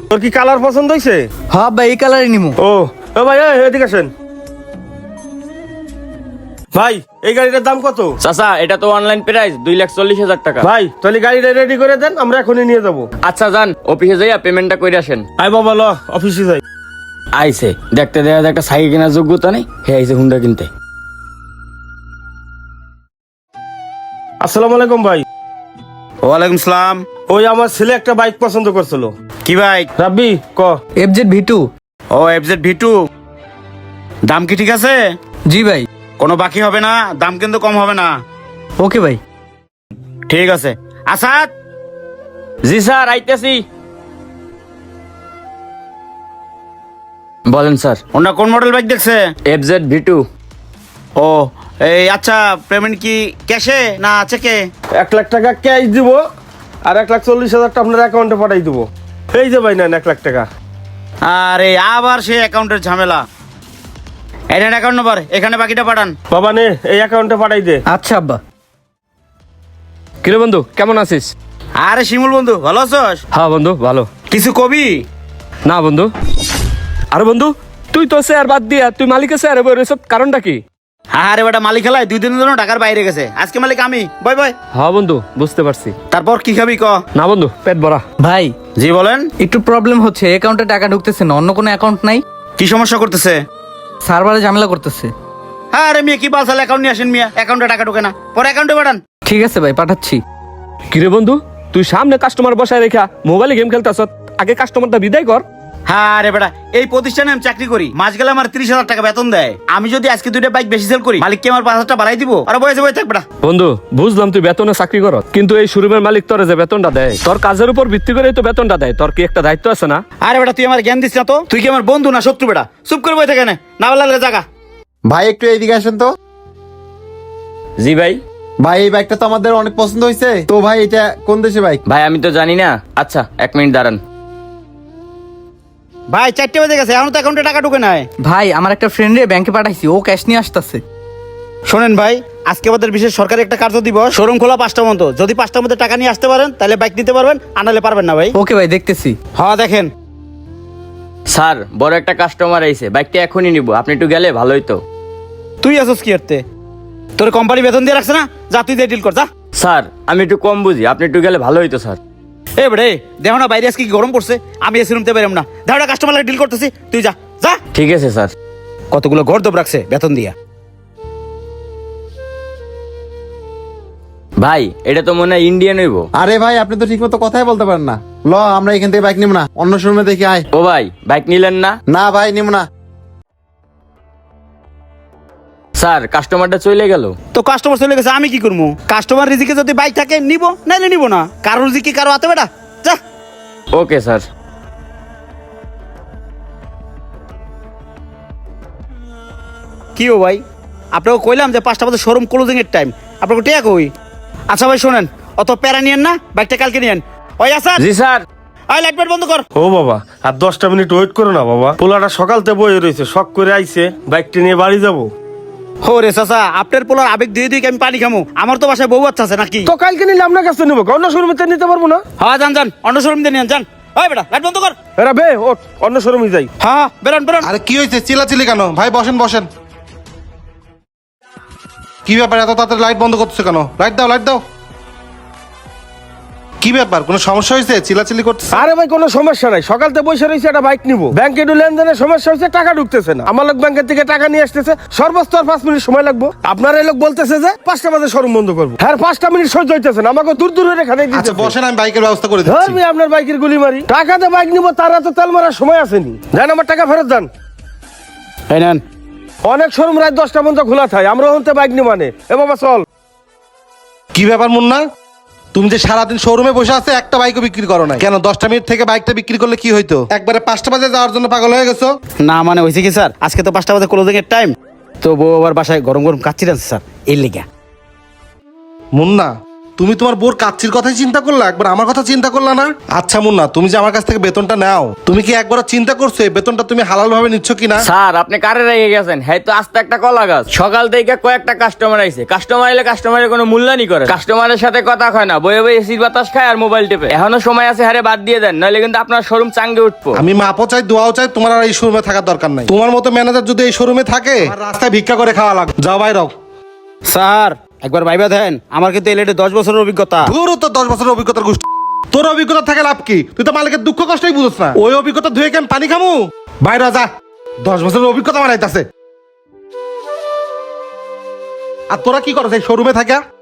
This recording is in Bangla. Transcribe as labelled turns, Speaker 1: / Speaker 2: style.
Speaker 1: তোর কি কালার পছন্দ হয়েছে?
Speaker 2: হ্যাঁ ভাই, এই কালারই নিমু।
Speaker 1: ও ভাই এদিকে আসেন। ভাই এই গাড়িটার দাম কত?
Speaker 3: চাচা এটা তো অনলাইন প্রাইস 2,40,000 টাকা।
Speaker 1: ভাই তাহলে গাড়িটা রেডি করে দেন, আমরা এখনই নিয়ে যাবো।
Speaker 3: আচ্ছা যান, অফিসে যাইয়া পেমেন্টটা করে আসেন।
Speaker 1: আই বাবা ল অফিসে যাই।
Speaker 3: আইছে দেখতে দেখা যায় একটা সাইকেল কেনার যোগ্যতা নেই, হে আইছে হুন্ডা কিনতে।
Speaker 1: আসসালামু আলাইকুম ভাই।
Speaker 4: ওয়ালাইকুম সালাম।
Speaker 1: ওই আমার ছেলে একটা বাইক পছন্দ করছিল।
Speaker 4: কি বাইক?
Speaker 1: রাব্বি ক।
Speaker 2: FZ V2।
Speaker 4: ও FZ V2। দাম কি ঠিক আছে?
Speaker 2: জি ভাই।
Speaker 4: কোনো বাকি হবে না, দাম কিন্তু কম হবে না।
Speaker 2: ওকে ভাই।
Speaker 4: ঠিক আছে। আসাদ।
Speaker 3: জি স্যার আইতেছি। বলেন স্যার।
Speaker 4: ওনা কোন মডেল বাইক দেখছে?
Speaker 3: FZ V2।
Speaker 4: ও এই আচ্ছা, পেমেন্ট কি ক্যাশে না চেকে?
Speaker 1: 1,00,000 টাকা ক্যাশ দিব আর 1,40,000 আপনার অ্যাকাউন্টে পাঠাই দিব। এই যে ভাই নেন 1,00,000 টাকা।
Speaker 4: আরে আবার সেই অ্যাকাউন্টের ঝামেলা। এটার অ্যাকাউন্ট নাম্বার, এখানে বাকিটা পাঠান।
Speaker 1: বাবা নে এই অ্যাকাউন্টে পাঠাই দে।
Speaker 2: আচ্ছা আব্বা।
Speaker 5: কিরে বন্ধু কেমন আছিস?
Speaker 4: আরে শিমুল বন্ধু, ভালো আছোস?
Speaker 5: হ্যাঁ বন্ধু ভালো।
Speaker 4: কিছু কবি?
Speaker 5: না বন্ধু। আরে বন্ধু তুই তো স্যার বাদ দিয়া তুই মালিকের স্যার এসব কারণটা কি?
Speaker 4: আরে বেটা, মালিক খেলায় 2 দিনের জন্য ঢাকার বাইরে গেছে, আজকে মালিক আমি। বয় বয়।
Speaker 5: হ্যাঁ বন্ধু বুঝতে পারছি।
Speaker 4: তারপর কি খাবি ক?
Speaker 5: না বন্ধু পেট ভরা।
Speaker 2: ভাই
Speaker 4: জি বলেন।
Speaker 2: একটু প্রবলেম হচ্ছে, অ্যাকাউন্টে টাকা ঢুকতেছে না। অন্য কোনো অ্যাকাউন্ট নাই?
Speaker 4: কি সমস্যা করতেছে?
Speaker 2: সার্ভারে ঝামেলা করতেছে।
Speaker 4: হ্যাঁ আরে মিয়া, কি বালসাল অ্যাকাউন্ট নিয়ে আসেন মিয়া, অ্যাকাউন্টে টাকা ঢোকে না, পরে অ্যাকাউন্টে পাঠান।
Speaker 2: ঠিক আছে ভাই, পাঠাচ্ছি।
Speaker 5: কিরে বন্ধু তুই সামনে কাস্টমার বসায় রেখা মোবাইলে গেম খেলতেছ, আগে কাস্টমারটা বিদায় কর।
Speaker 4: হ্যাঁ আরে বেটা, এই প্রতিষ্ঠানে আমি চাকরি করি, মাস গেলে আমার 30,000 টাকা বেতন দেয়। আমি যদি আজকে 2টা বাইক বেশি সেল করি, মালিককে আমার 5,000 টাকা বাড়াই দিব। আরে বয়সে বয়ে থাক বেটা।
Speaker 5: বন্ধু বুঝলাম তুই বেতনে চাকরি কর, কিন্তু এই শোরুমের মালিক তোর যে বেতনটা দেয় তোর কাজের উপর ভিত্তি করে তো বেতনটা দেয়, তোর কি একটা দায়িত্ব আছে না?
Speaker 4: আরে বেটা, তুই আমার জ্ঞান দিস না তো। তুই কি আমার বন্ধু না শত্রু বেটা? চুপ করে বয়ে থাকে না বলার জায়গা।
Speaker 6: ভাই একটু এইদিকে আসেন তো।
Speaker 3: জি ভাই।
Speaker 6: ভাই এই বাইকটা তো আমাদের অনেক পছন্দ হয়েছে, তো ভাই এটা কোন দেশে বাইক?
Speaker 3: ভাই আমি তো জানি না। আচ্ছা 1 মিনিট দাঁড়ান।
Speaker 4: ভাই 4টে বেজে গেছে, এখন তো অ্যাকাউন্টে টাকা ঢোকে নাই।
Speaker 2: ভাই আমার একটা ফ্রেন্ডে ব্যাংকে পাঠাইছি, ও ক্যাশ নিয়ে আসতেছে।
Speaker 4: শোনেন ভাই, আজকে আমাদের বিশেষ সরকারি একটা কার্য দিবস, শোরুম খোলা 5টার মতো। যদি 5টার মধ্যে টাকা নিয়ে আসতে পারেন তাহলে বাইক নিতে পারবেন, আনালে পারবেন না ভাই।
Speaker 2: ওকে ভাই, দেখতেছি।
Speaker 4: হ্যাঁ দেখেন।
Speaker 3: স্যার বড় একটা কাস্টমার আইছে, বাইকটা এখনই নিব, আপনি একটু গেলে ভালোই তো।
Speaker 4: তুই আসস কি করতে? তোর কোম্পানি বেতন দিয়ে রাখছে না? যা তুই দিয়ে ডিল কর যা।
Speaker 3: স্যার আমি একটু কম বুঝি, আপনি একটু গেলে ভালো হইতো স্যার।
Speaker 4: এ বেড়ে দেখো না বাইরে আজকে কি গরম পড়ছে, আমি এসি রুমতে বেরোম না। দেখো না কাস্টমার লাগে ডিল করতেছি, তুই যা যা।
Speaker 3: ঠিক আছে স্যার।
Speaker 4: কতগুলো গর্দব রাখছে বেতন দিয়া।
Speaker 3: ভাই এটা তো মনে হয় ইন্ডিয়ান হইব।
Speaker 6: আরে ভাই আপনি তো ঠিক মতো কথাই বলতে পারেন না। ল আমরা এখান থেকে বাইক নিব না, অন্য শোরুমে দেখি আয়।
Speaker 3: ও ভাই বাইক নিলেন না?
Speaker 6: না ভাই নিব না।
Speaker 3: স্যার কাস্টমারটা চলে গেল।
Speaker 4: তো কাস্টমার চলে গেছে, আমি কি করবো? কাস্টমার রিজিকে যদি বাইক থাকে নিব, নাইলে নিব না। কারোর রিজিকে কারো হাতে বেটা, যা।
Speaker 3: Okay sir.
Speaker 4: কি ও ভাই, আপনাকে কইলাম যে 5টা বাজে শোরুম ক্লোজিং এর টাইম, আপনাকে টিয়া কই? আচ্ছা ভাই শোনেন, অত প্যারা নিয়েন না, বাইকটা কালকে নিয়েন। ওই আসার
Speaker 3: জি স্যার।
Speaker 4: আই লাইট ফাইট বন্ধ কর।
Speaker 1: ও বাবা আর 10টা মিনিট ওয়েট করো না বাবা, পোলাটা সকালতে বয়ে রয়েছে, শখ করে আইছে, বাইকটা নিয়ে বাড়ি যাবো।
Speaker 4: হো রে চাচা, আপনার পোলার আবেগ দিয়ে দিয়ে আমি পানি খামো? আমার তো বাসায় বউ বাচ্চা আছে নাকি?
Speaker 1: তো কালকে নিলে আপনার কাছে নেবো, অন্য শোরুমে নিতে পারবো না?
Speaker 4: হ্যাঁ যান যান, অন্য শোরুম দিয়ে নিয়ে যান। ওই বেটা লাইট বন্ধ কর।
Speaker 1: এরা বে ও অন্য শোরুমে যাই।
Speaker 4: হ্যাঁ বেরোন বেরোন।
Speaker 6: আরে কি হয়েছে চিল্লাচিল্লি কেন? ভাই বসেন বসেন। কি ব্যাপার এত তাড়াতাড়ি লাইট বন্ধ করতেছো কেন? লাইট দাও লাইট দাও। কি ব্যাপার, কোনো সমস্যা হয়েছে চিল্লাচিল্লি করতেছ?
Speaker 1: আরে ভাই কোনো সমস্যা নাই, সকালতে বসে রয়েছে, একটা বাইক নিবো, ব্যাংকে একটু লেনদেনের সমস্যা হয়েছে, টাকা ঢুকতেছে না। আমার লোক ব্যাংকের থেকে টাকা নিয়ে আসতেছে, সর্বোচ্চ আর 5 মিনিট সময় লাগবে। আপনার এই লোক বলতেছে যে 5টা বাজে শোরুম বন্ধ করবো। হ্যাঁ 5টা মিনিট সহ্য হইতেছে না, আমাকে দূর দূর রেখা দিয়ে
Speaker 6: আচ্ছা
Speaker 1: দিচ্ছে।
Speaker 6: বসেন, আমি বাইকের ব্যবস্থা করে দিচ্ছি।
Speaker 1: ধরবি আপনার বাইকের গুলি মারি, টাকাতে বাইক নিবো, তারা তো তেল মারার সময় আসেনি। দেন আমার টাকা ফেরত দেন।
Speaker 4: এই নেন।
Speaker 1: অনেক শোরুম রাত 10টা পর্যন্ত খোলা থাকে, আমরা হতে বাইক নিব মানে। এ বাবা চল।
Speaker 6: কি ব্যাপার মুন্না, তুমি যে সারাদিন শোরুমে বসে আছে একটা বাইকও বিক্রি করো না কেন? 10টা মিনিট থেকে বাইকটা বিক্রি করলে কি হইতো? একবারে 5টা বাজে যাওয়ার জন্য পাগল হয়ে গেছো?
Speaker 4: না মানে হয়েছে কি স্যার, আজকে তো 5টা বাজে ক্লোজিং এর টাইম, তো বউ আবার বাসায় গরম গরম কাচ্চি রাখছে স্যার, এই লেগে।
Speaker 6: মুন্না তুমি তোমার বোর কাচ্চির কথাই চিন্তা করলা, একবার আমার কথা চিন্তা করলা না? আচ্ছা মুন্না, তুমি যে আমার কাছ থেকে বেতনটা নাও, তুমি কি একবার চিন্তা করছো এই বেতনটা তুমি হালাল ভাবে নিচ্ছ কিনা?
Speaker 3: স্যার আপনি কারে রেগে গেছেন? হ্যাঁ তো আস্তে একটা কলা গাছ। সকাল থেকে কয়েকটা কাস্টমার আইছে, কাস্টমার এলে কাস্টমারের কোনো মূল্যায়নই করে, কাস্টমারের সাথে কথা কয় না, বয়ে বয়ে এসির বাতাস খায় আর মোবাইল টেপে। এখনো সময় আছে, হারে বাদ দিয়ে দেন, নইলে কিন্তু আপনার শোরুম চাঙ্গে উঠবো।
Speaker 6: আমি মাপও চাই, দোয়াও চাই, তোমার আর এই শোরুমে থাকার দরকার নাই। তোমার মতো ম্যানেজার যদি এই শোরুমে থাকে, আমার রাস্তায় ভিক্ষা করে খাওয়া লাগবে। যাও বাইরও।
Speaker 4: স্যার একবার ভাইবা দেন, আমার কিন্তু এলএডি 10 বছরের অভিজ্ঞতা।
Speaker 6: ধুরো তো 10 বছরের অভিজ্ঞতার গোষ্ঠী। তোর অভিজ্ঞতা থাকে লাভ কি? তুই তো মালিকের দুঃখ কষ্টই বুঝছ না। ওই অভিজ্ঞতা ধুয়ে কেন পানি খামু? বাইরে যা, 10 বছরের অভিজ্ঞতা বানাইতাছে। আর তোরা কি করছ এই শোরুমে থাকা?